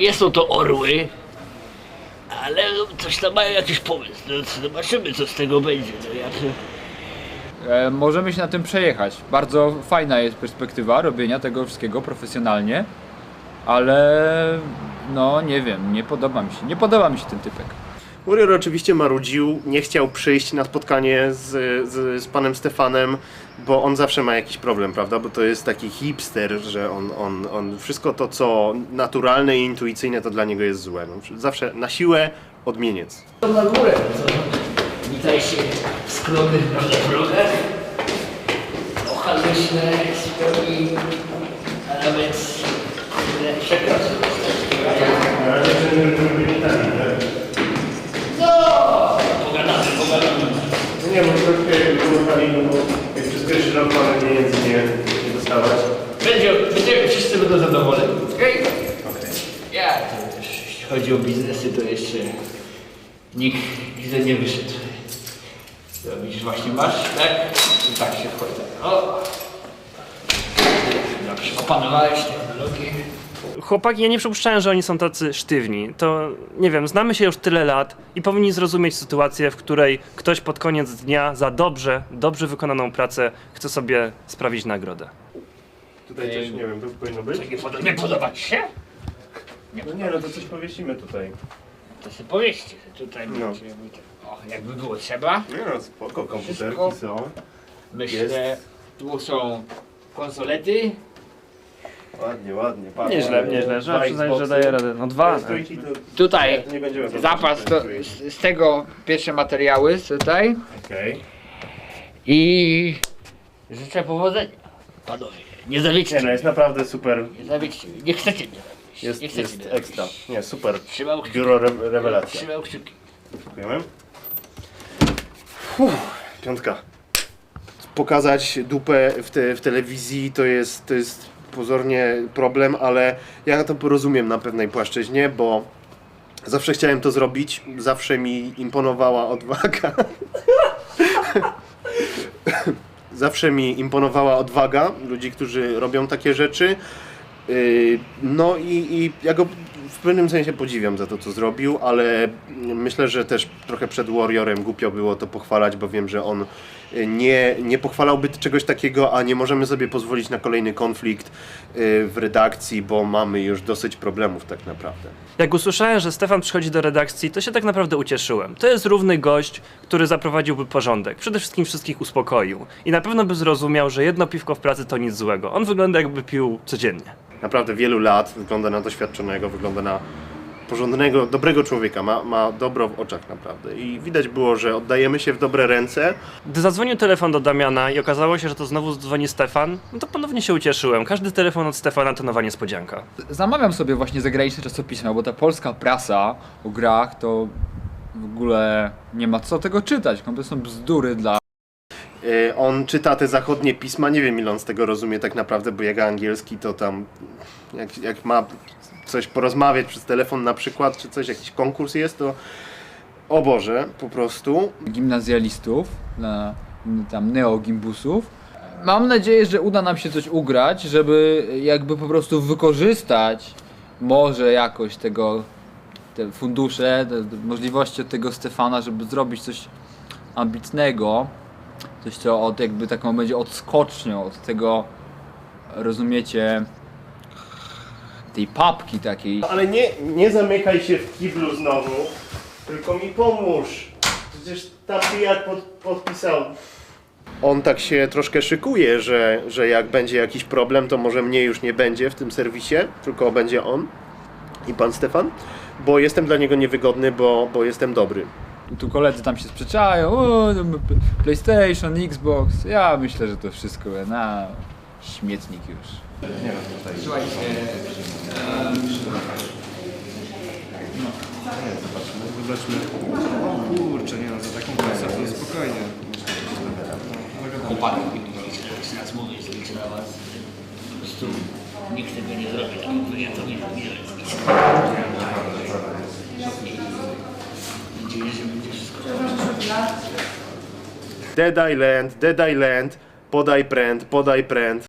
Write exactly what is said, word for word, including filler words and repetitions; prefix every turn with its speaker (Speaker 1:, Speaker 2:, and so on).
Speaker 1: nie są to orły, ale coś tam mają jakiś pomysł. No, zobaczymy, co z tego będzie. No, ja to...
Speaker 2: E, możemy się na tym przejechać. Bardzo fajna jest perspektywa robienia tego wszystkiego profesjonalnie, ale no nie wiem, nie podoba mi się. Nie podoba mi się ten typek.
Speaker 3: Warrior oczywiście marudził, nie chciał przyjść na spotkanie z, z, z panem Stefanem, bo on zawsze ma jakiś problem, prawda? Bo to jest taki hipster, że on, on, on wszystko to, co naturalne i intuicyjne, to dla niego jest złe. No, zawsze na siłę odmieniec.
Speaker 1: To na górę, to witaj się w skromnych drogach. Ochal myślę, spełni element przekraczał. No, pogadamy, pogadamy.
Speaker 3: No nie, bo troszkę pomagali, no bo jak przez pierwszy rok mamy pieniędzy nie, nie dostawać.
Speaker 1: Będzie, będzie, wszyscy będą zadowoleni. Okej? Okay? Okay. Ja to też, jeśli chodzi o biznesy, to jeszcze nikt nigdy nie wyszedł. To widzisz, właśnie masz, tak? I tak się wchodzi. O! Dobrze, opanowałeś technologię.
Speaker 4: Chłopaki, ja nie przypuszczałem, że oni są tacy sztywni. To, nie wiem, znamy się już tyle lat i powinni zrozumieć sytuację, w której ktoś pod koniec dnia za dobrze, dobrze wykonaną pracę chce sobie sprawić nagrodę.
Speaker 3: Tutaj coś, nie wiem, to powinno być?
Speaker 1: Nie, poda nie podoba ci się? Nie,
Speaker 3: No nie, no to coś powiesimy tutaj.
Speaker 1: to sobie powieście. Tutaj
Speaker 3: No.
Speaker 1: będzie, o, jakby było trzeba.
Speaker 3: Nie no, spoko, komputerki
Speaker 1: Wszystko.
Speaker 3: są.
Speaker 1: Myślę, tu są konsolety.
Speaker 3: Ładnie, ładnie. Patrz,
Speaker 4: Nieźle,
Speaker 3: ładnie.
Speaker 4: nieźle,
Speaker 3: Dwa
Speaker 4: trzeba przyznać, że
Speaker 3: Xboxy.
Speaker 4: daje radę. No dwa.
Speaker 3: Stoici to...
Speaker 2: Tutaj
Speaker 3: Nie, nie będziemy
Speaker 2: zapas to, z, z tego pierwsze materiały tutaj
Speaker 3: Okej.
Speaker 1: I życzę powodzenia. Panowie, nie zawiedźcie
Speaker 3: Nie no, jest naprawdę super.
Speaker 1: Nie zawiedźcie mnie. Nie chcecie mnie zawieść.
Speaker 3: Jest,
Speaker 1: Nie chcecie
Speaker 3: jest
Speaker 1: mnie
Speaker 3: ekstra.
Speaker 1: zawieść.
Speaker 3: Nie, super.
Speaker 1: Trzymał kciuki.
Speaker 3: Biuro re rewelacja.
Speaker 1: Trzymał kciuki.
Speaker 3: Dziękujemy. Fuh, piątka. Pokazać dupę w, te, w telewizji to jest, to jest pozornie problem, ale ja to porozumiem na pewnej płaszczyźnie, bo zawsze chciałem to zrobić, zawsze mi imponowała odwaga. Zawsze mi imponowała odwaga ludzi, którzy robią takie rzeczy. Yy, No i, i ja go w pewnym sensie podziwiam za to, co zrobił, ale myślę, że też trochę przed Warriorem głupio było to pochwalać, bo wiem, że on nie, nie pochwalałby czegoś takiego, a nie możemy sobie pozwolić na kolejny konflikt yy, w redakcji, bo mamy już dosyć problemów tak naprawdę.
Speaker 4: Jak usłyszałem, że Stefan przychodzi do redakcji, to się tak naprawdę ucieszyłem. To jest równy gość, który zaprowadziłby porządek. Przede wszystkim wszystkich uspokoił. I na pewno by zrozumiał, że jedno piwko w pracy to nic złego. On wygląda, jakby pił codziennie.
Speaker 3: Naprawdę wielu lat, wygląda na doświadczonego, wygląda na porządnego, dobrego człowieka, ma, ma dobro w oczach naprawdę i widać było, że oddajemy się w dobre ręce.
Speaker 4: Gdy zadzwonił telefon do Damiana i okazało się, że to znowu dzwoni Stefan, no to ponownie się ucieszyłem. Każdy telefon od Stefana to nowa niespodzianka.
Speaker 2: zamawiam sobie właśnie zagraniczne czasopisma, bo ta polska prasa o grach to w ogóle nie ma co tego czytać. To są bzdury dla...
Speaker 3: Yy, on czyta te zachodnie pisma, nie wiem ile on z tego rozumie tak naprawdę, bo jak angielski to tam, jak, jak ma coś porozmawiać przez telefon na przykład, czy coś, jakiś konkurs jest, to o Boże, po prostu.
Speaker 2: gimnazjalistów, dla tam neogimbusów. Mam nadzieję, że uda nam się coś ugrać, żeby jakby po prostu wykorzystać może jakoś tego, te fundusze, te możliwości od tego Stefana, żeby zrobić coś ambitnego, coś co od jakby taką będzie odskocznią od tego, rozumiecie, tej papki takiej.
Speaker 3: Ale nie, nie zamykaj się w kiblu znowu, tylko mi pomóż. Przecież tam pijak pod, podpisał. On tak się troszkę szykuje, że, że jak będzie jakiś problem, to może mnie już nie będzie w tym serwisie, tylko będzie on i pan Stefan, bo jestem dla niego niewygodny, bo, bo jestem dobry.
Speaker 2: Tu koledzy tam się sprzeczają, o, PlayStation, Xbox. Ja myślę, że to wszystko na śmietnik już. Słuchajcie,
Speaker 5: Zobaczmy. O kurczę, nie no, za taką kasę to spokojnie.
Speaker 1: Chłopaki, chcę nas mówić, liczę na was. Po prostu nikt tego nie zrobi, tak jakby ja to nie zrobiłem. Mam nadzieję, że będzie wszystko dobrze.
Speaker 3: Dead Island, Dead Island, podaj pręd, podaj pręd.